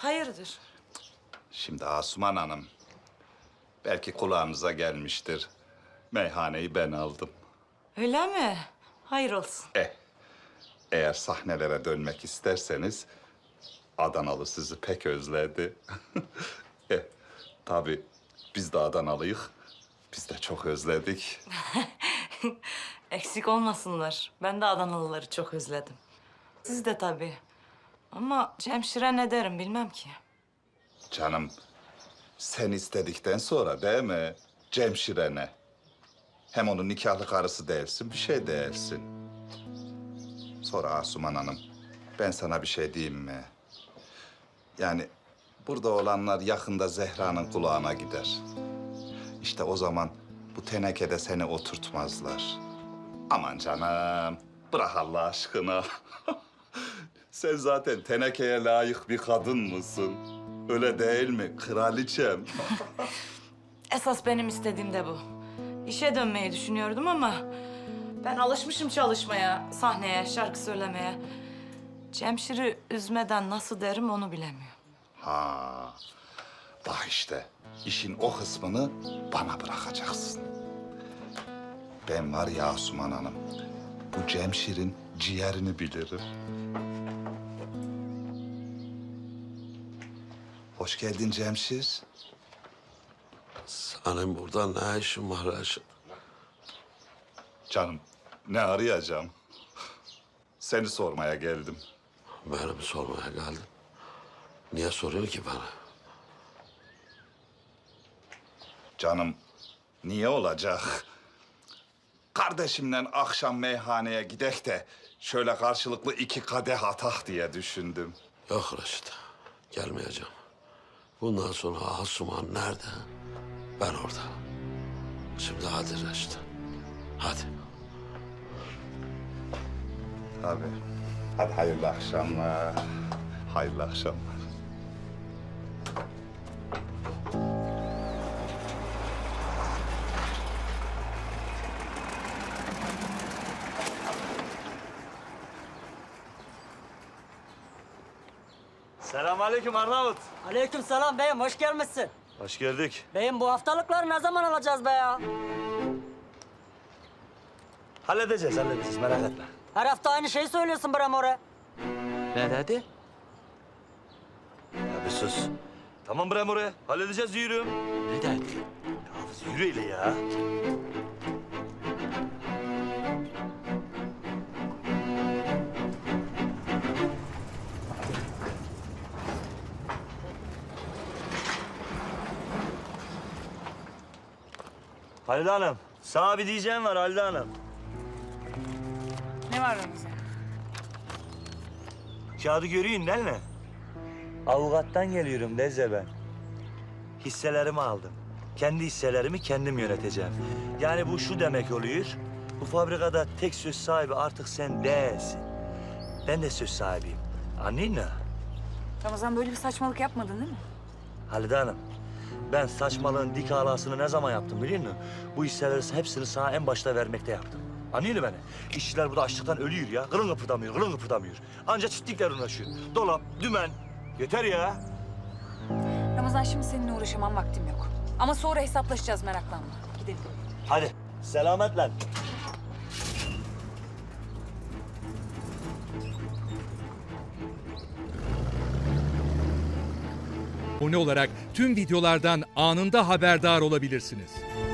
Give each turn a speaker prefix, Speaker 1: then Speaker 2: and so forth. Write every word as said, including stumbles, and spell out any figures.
Speaker 1: Hayırdır?
Speaker 2: Şimdi Asuman Hanım, belki kulağınıza gelmiştir. Meyhaneyi ben aldım.
Speaker 1: Öyle mi? Hayır olsun.
Speaker 2: Eh, eğer sahnelere dönmek isterseniz Adanalı sizi pek özledi. eh, tabii biz de Adanalıyık. Biz de çok özledik.
Speaker 1: Eksik olmasınlar. Ben de Adanalıları çok özledim. Siz de tabii. Ama Cemşir'e ne derim bilmem ki.
Speaker 2: Canım, sen istedikten sonra değil mi Cemşire'ne? Hem onun nikahlı karısı değilsin, bir şey değilsin. Sonra Asuman Hanım, ben sana bir şey diyeyim mi? Yani burada olanlar yakında Zehra'nın kulağına gider. İşte o zaman bu tenekede seni oturtmazlar. Aman canım, bırak Allah aşkına. Sen zaten tenekeye layık bir kadın mısın? Öyle değil mi kraliçem?
Speaker 1: Esas benim istediğim de bu. İşe dönmeyi düşünüyordum ama... ben alışmışım çalışmaya, sahneye, şarkı söylemeye. Cemşir'i üzmeden nasıl derim onu bilemiyorum.
Speaker 2: Ha, bak işte işin o kısmını bana bırakacaksın. Ben var ya Asuman Hanım, bu Cemşir'in ciğerini bilirim. Hoş geldin Cemşir.
Speaker 3: Senin burada ne işin var Reşit?
Speaker 2: Canım, ne arayacağım? Seni sormaya geldim.
Speaker 3: Beni mi sormaya geldin? Niye soruyor ki bana?
Speaker 2: Canım, niye olacak? Kardeşimle akşam meyhaneye gidek de şöyle karşılıklı iki kadeh atak diye düşündüm.
Speaker 3: Yok Reşit, gelmeyeceğim. Bundan sonra Asuman nerede? Ben orada. Şimdi hadi Reşit, hadi.
Speaker 2: Tabii. Hadi hayırlı akşamlar. Hayırlı akşamlar.
Speaker 4: Selamünaleyküm Arnavut.
Speaker 5: Aleykümselam beyim, hoş gelmişsin.
Speaker 4: Hoş geldik.
Speaker 5: Beyim bu haftalıkları ne zaman alacağız be ya?
Speaker 4: Halledeceğiz, halledeceğiz merak etme.
Speaker 5: Her hafta aynı şeyi söylüyorsun bre more.
Speaker 4: Ne dedi? Ya bir sus. Tamam bre oraya. Halledeceğiz yürü.
Speaker 3: Ne dedi?
Speaker 4: Ya yürü ile ya. Halide Hanım, sana bir diyeceğim var Halide Hanım.
Speaker 1: Ne var Ramazan?
Speaker 4: Kağıdı görüyorsun değil mi? Avukattan geliyorum Lezze ben. Hisselerimi aldım. Kendi hisselerimi kendim yöneteceğim. Yani bu şu demek oluyor. Bu fabrikada tek söz sahibi artık sen değilsin. Ben de söz sahibiyim. Anladın mı?
Speaker 6: Ramazan böyle bir saçmalık yapmadın değil mi?
Speaker 4: Halide Hanım, ben saçmalığın dik alasını ne zaman yaptım biliyor musun? Bu hisseleri hepsini sana en başta vermekte yaptım. Anlıyor musun beni? İşçiler burada açlıktan ölüyor ya. Kılın kıpırdamıyor, kılın kıpırdamıyor. Anca çiftlikler uğraşıyor. Dolap, dümen. Yeter ya.
Speaker 6: Ramazan şimdi seninle uğraşamam, vaktim yok. Ama sonra hesaplaşacağız, meraklanma. Gidelim.
Speaker 4: Hadi, selametle.
Speaker 7: Abone olarak tüm videolardan anında haberdar olabilirsiniz.